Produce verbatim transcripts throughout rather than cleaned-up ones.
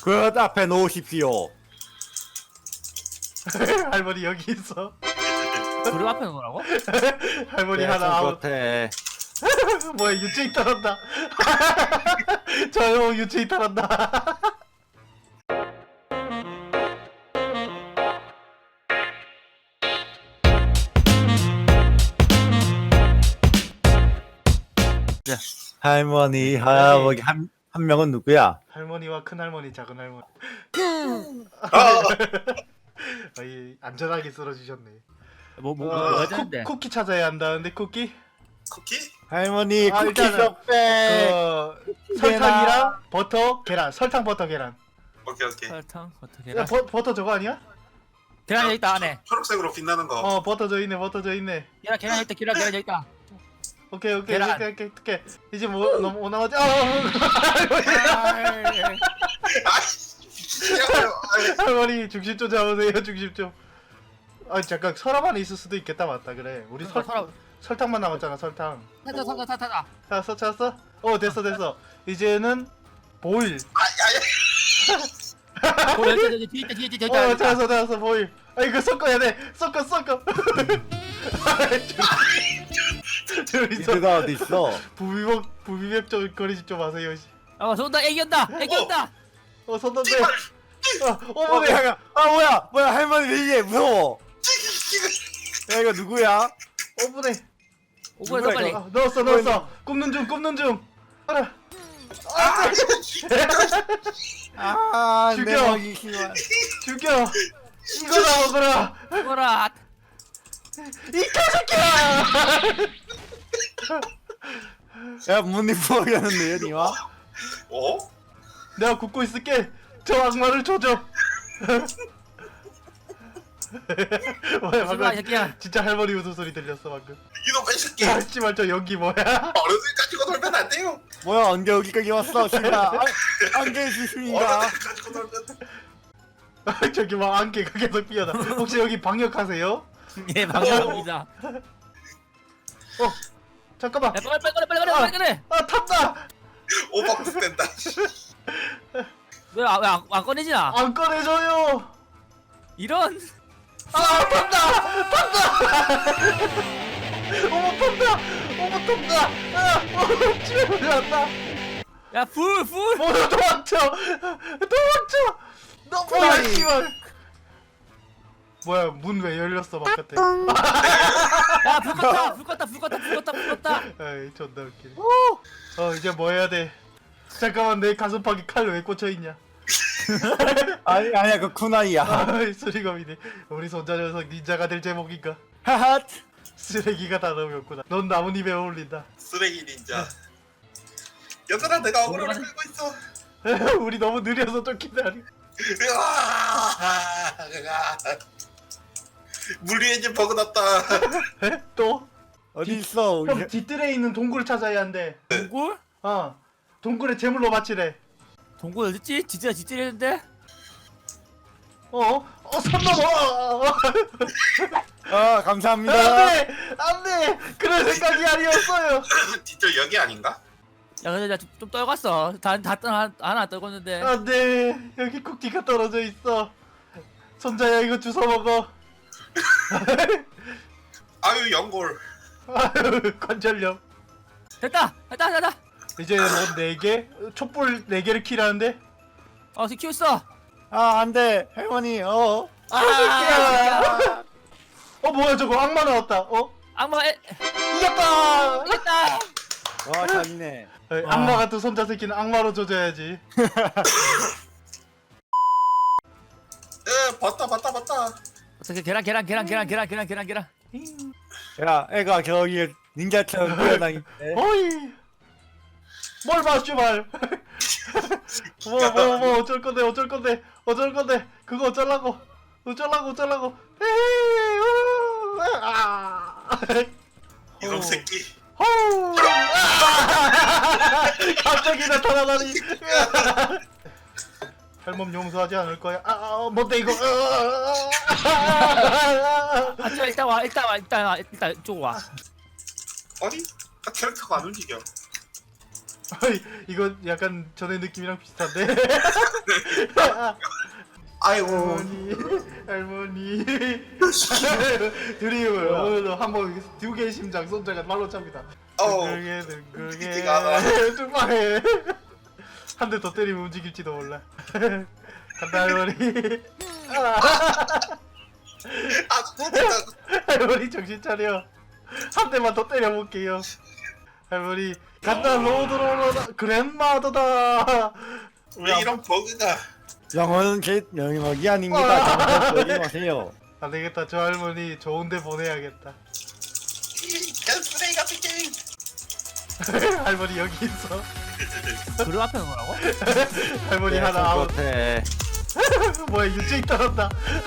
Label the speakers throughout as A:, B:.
A: 그 앞에 놓으십시오.
B: 할머니 여기 있어.
C: 그릇 앞에 놓으라고?
B: 할머니
A: 네,
B: 하나 아웃.
A: 겉에.
B: 뭐야 유체이 탈한다. 저요 유체이 탈한다.
A: 할머니, 할아버지 한, 한 명은 누구야?
B: 할머니와 큰 할머니, 작은 할머니.
D: 아,
B: 아이, 안전하게 쓰러지셨네.
C: 뭐, 뭐,
B: 어,
C: 뭐, 뭐
B: 쿠,
C: 하자는데?
B: 쿠키 찾아야 한다는데 쿠키?
D: 쿠키?
A: 할머니,
B: 아,
A: 쿠키
B: 일단은
A: 쏙빼.
B: 그 설탕이랑 버터, 계란. 설탕, 버터, 계란.
D: 오케이 오케이.
C: 설탕, 어떻게
B: 야,
C: 나
B: 버, 버터 저거 아니야?
C: 계란 여기 있다 안에.
D: 초록색으로 빛나는 거.
B: 어, 버터 저 있네, 버터 저 있네.
C: 계란 계란 여기 있다 계란 계란 여기 있다.
B: 오케이, 오케이,
C: 계란.
B: 오케이, 오케이, 오케이. 이제 뭐 너무 뭐 나머지? 아,
D: 아이씨, 미치겠어요. 아이,
B: 할머니 중심 좀 잡으세요, 중심 좀. 아, 잠깐 서랍 안에 있을 수도 있겠다, 맞다, 그래. 우리 설
C: 서랍.
B: 설탕만 남았잖아, 설탕.
C: 타타 타타 타타.
B: 찾았어, 찾았어? 어, 됐어, 됐어. 이제는 보일.
D: 아, 야, 야.
C: 어 여기 여기 뒤에 있다 뒤에 있다 뒤에
B: 어,
C: 있다.
B: 찾았어, 찾았어, 보일. 아, 이거 섞어야 돼. 섞어, 섞어. 저기서
A: 이드가 어디 있어?
B: 부비먹 부비맥 좀 거리지 좀 마세요. 씨.
C: 아 손다 애기 온다 애기 온다.
B: 어, 손던데.
D: 제발.
B: 어,
A: 어,
B: 어머니.
A: 뭐야, 아, 뭐야, 뭐야, 할머니 왜 이래, 무서워. 야, 이거 누구야?
B: 어머니.
C: 오버해서
A: 누구야,
C: 빨리.
A: 이거?
B: 아, 넣었어, 넣었어. 굽는 중, 굽는 중. 알아.
D: 아,
A: 아,
B: 죽여.
A: 내 먹이 심한.
B: 죽여. 이거나 먹어라.
C: 뭐라.
B: 이 개새끼야.
A: 야, 문이 부어졌는데, 니마?
D: 어?
B: 내가 굽고 있을게. 저 악마를 조져. 뭐야
C: 무슨 말
B: 방금
C: 새끼야.
B: 진짜 할머니 웃음소리 들렸어 방금.
D: 이놈 이 새끼.
B: 야 씨발 저 연기 뭐야?
D: 어른들 가지고 놀면 안 돼요.
A: 뭐야, 언제 여기까지 왔어, 씨발. 아, 안개 주십니다.
D: 어른들 가지고 놀면.
B: 저기 막 안개가 계속 피어나. 혹시 여기 방역하세요?
C: 예 방향입니다.
B: 어 잠깐만.
C: 빨리 빨리 빨리 빨리 빨리 빨리.
B: 아 탔다.
D: 오버쿡된다.
C: 왜왜안 꺼내지나?
B: 안 꺼내줘요.
C: 이런.
B: 아 탄다. 탄다. 어머 탄다. 어머 탄다. 아, 어 집에 올라왔다.
C: 야불 불.
B: 뭐 도망쳐. 도망쳐. 너 뭐야
A: 도망이.
B: 씨발. 뭐야 문 왜 열렸어 바깥에.
C: 야불 껐다 불 껐다 불 껐다 불 껐다 불 껐다.
B: 아이 존나 웃기네. 어 이제 뭐 해야 돼? 잠깐만 내 가슴팍에 칼 왜 꽂혀 있냐?
A: 아니, 아니야, 그 쿠나이야.
B: 아이 수리검이네. 우리 손자 녀석 닌자가 될 제목인가?
A: 하하.
B: 쓰레기가 단어였구나. 넌 나뭇잎에 어울린다.
D: 쓰레기 닌자. 얘들아 내가 억울함을 끌고 있어.
B: 우리 너무 느려서 쫓긴다.
D: 으아! 물 위에 이제 버그 났다.
B: 에? 또?
A: 어디 있어, 우리.
B: 형 뒷뜰에 있는 동굴을 찾아야 한대.
C: 동굴?
B: 어. 동굴에 제물로 바치래.
C: 동굴 어딨지? 진짜 진짜했는데?
B: 어? 어, 선 넘어!
A: 아, 감사합니다.
B: 안 돼! 안 돼! 그런 생각이 아니었어요!
D: 뒤쪽 여기 아닌가?
C: 야 근데 나좀 좀 떨궜어. 다다 하나 하나 떨궜는데.
B: 안 돼! 여기 쿠키가 떨어져 있어. 손자야, 이거 주워 먹어.
D: 아유 연골.
B: 아유, 관절염.
C: 됐다 됐다 됐다.
B: 이제 뭐 네 개? 촛불 네 개를 키라는데?
C: 어 지금 키웠어.
A: 아, 안 돼. 할머니, 어.
B: 아! 어, 뭐야, 저거 악마 나왔다. 어?
C: 악마 에
B: 이겼다!
C: 됐다.
A: 와, 잘이네.
B: 에이,
C: 와.
B: 악마 같은 손자 새끼는 악마로 조져야지.
D: 에 봤다 봤다 봤다.
C: 어떻게 계란 계란 계란 계란 계란 계란 계란 계란.
A: 야, 애가 저기 닌자처럼 뛰어다니는데.
B: 어이! 뭘 봐, 씨발! 뭐, 뭐, 뭐, 어쩔 건데, 어쩔 건데, 어쩔 건데, 그거 어쩌려고, 어쩌려고, 어쩌려고, 에이, 우, 아,
D: 이놈
B: 어.
D: 새끼.
B: 호우, 아, 갑자기 나타나다니. 할멈 용서하지 않을 거야. 아, 아 뭔데 이거? 아,
C: 아 저 일단 와 일단 와 일단 와 일단 이쪽 와.
D: 아니? 아, 캐릭터가 안 움직여.
B: 아이, 이거 약간 전에 느낌이랑 비슷한데.
D: 아이고.
B: 할머니, 할머니. 드림을 오늘도 한번 두 개의 심장 손자가 말로 찹니다.
D: 어우.
B: 둥글게 둥글게
D: 미치가 않아.
B: 뚱방해. 한 대 더 때리면 움직일지도 몰라. 간다 할머니.
D: 아 진짜.
B: 할머니 정신 차려. 한 대만 더 때려볼게요. 할머니 간다 로드로로다 그랜마더다.
D: 왜 이런 버그가?
A: 영어는 제 영역이 아닙니다. 잘못 보지 마세요.
B: 안 되겠다. 저 할머니 좋은데 보내야겠다.
D: 그냥 쓰레기 같은 게임.
B: 할머니 여기 있어.
C: 그루 앞에 놓으라고?
B: 할머니 하나 아웃.
A: 네.
B: 뭐야 유체인 따랐다.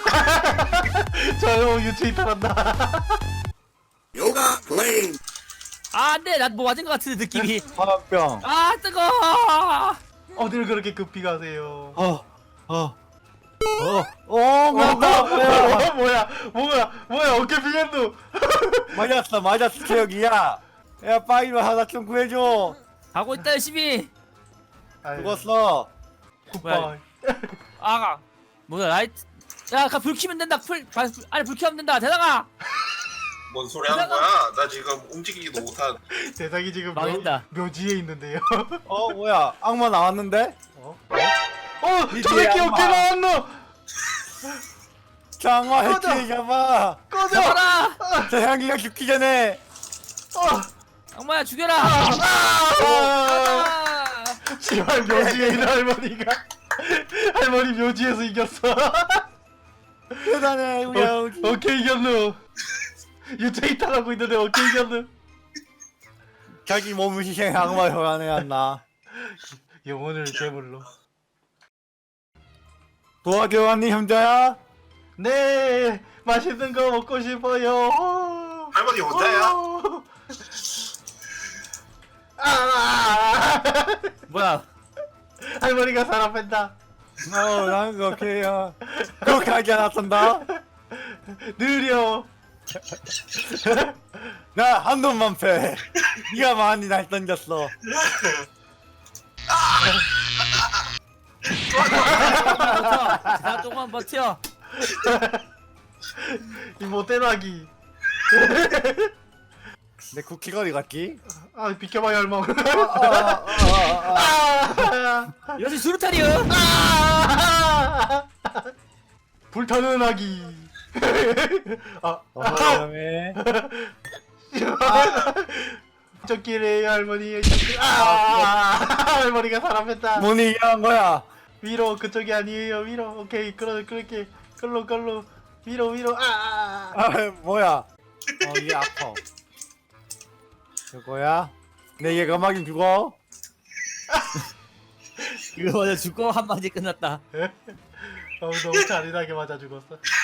B: 저 형 유체인 따랐다.
D: 요가 플레이.
C: 아 안돼 난 뭐 맞은 것 같은데 느낌이.
A: 화병.
C: 아 뜨거.
B: 어딜 그렇게 급히 가세요.
A: 어. 어. 어. 어. 맞다. 뭐야.
B: 어, 뭐야 뭐야 뭐야 어깨 비겠누.
A: 맞았어. 맞았어. 최혁이야. 야 빨리 하나 좀 구해줘.
C: 가고 있다 열심히.
A: 죽었어.
B: 굿바이.
C: 아가 뭐야 라이트. 야불 켜면 된다. 풀 바- 불- 아니 불 켜면 된다. 대장아.
D: 뭔 소리 하는 거야? 나 지금 움직이기도 못한.
B: 대상이 지금 묘,
C: 망했다.
B: 묘지에 있는데요.
A: 어 뭐야. 악마 나왔는데?
B: 어? 어? 저
A: 이제
B: 새끼
A: 악마.
B: 어깨 나왔노?
A: 장마
B: 꺼져.
A: 해치 잡아.
B: 꺼져!
C: 잡아라.
A: 저 향기가 죽기 전에.
B: 어!
C: 악마야 죽여라.
B: 아!
C: 아!
B: 씨발 묘지에 있는 할머니가 할머니 묘지에서 이겼어.
A: 대단해 우리
B: 어,
A: 아버지.
B: 어깨 이겼노. 유체이 타라고 있는데 어깨 이겼노.
A: 자기 몸을 희생 악마 혈안에 안나.
B: 영혼을 제물로.
A: 도와줘 왔니 형제야?
B: 네 맛있는 거 먹고 싶어요.
D: 할머니 혼자야?
B: 어. 아!
C: 뭐야?
B: 할머니가 사람 뺀다.
A: 어, 난 그렇게요. 그렇게 하지 않았단다.
B: 느려.
A: 나 한 놈만 패. 네가 많이 날 던졌어.
C: 버텨. 자 조금만 버텨.
B: 이 못된 아기.
A: 내 쿠키가 어디 갔지?
B: 아 비켜봐요 할머.
A: 아, 아, 아, 아.
C: 이것이 수류탄이요.
B: 아! 불타는 아기. 아,
A: 어, 그다음에
B: 저끼리 할머니. 저끼리. 아! 할머니가 사람 뺐다.
A: 문이 이상한 거야.
B: 위로 그쪽이 아니에요. 위로. 오케이. 그러 그렇게. 끌로 끌로. 위로 위로. 아!
A: 아, 뭐야? 어, 이게 아파. 이거야? 내 얘가 막이 죽어?
C: 이거 맞아 죽고 한 방에 끝났다.
B: 어, 너무 잔인하게 맞아 죽었어.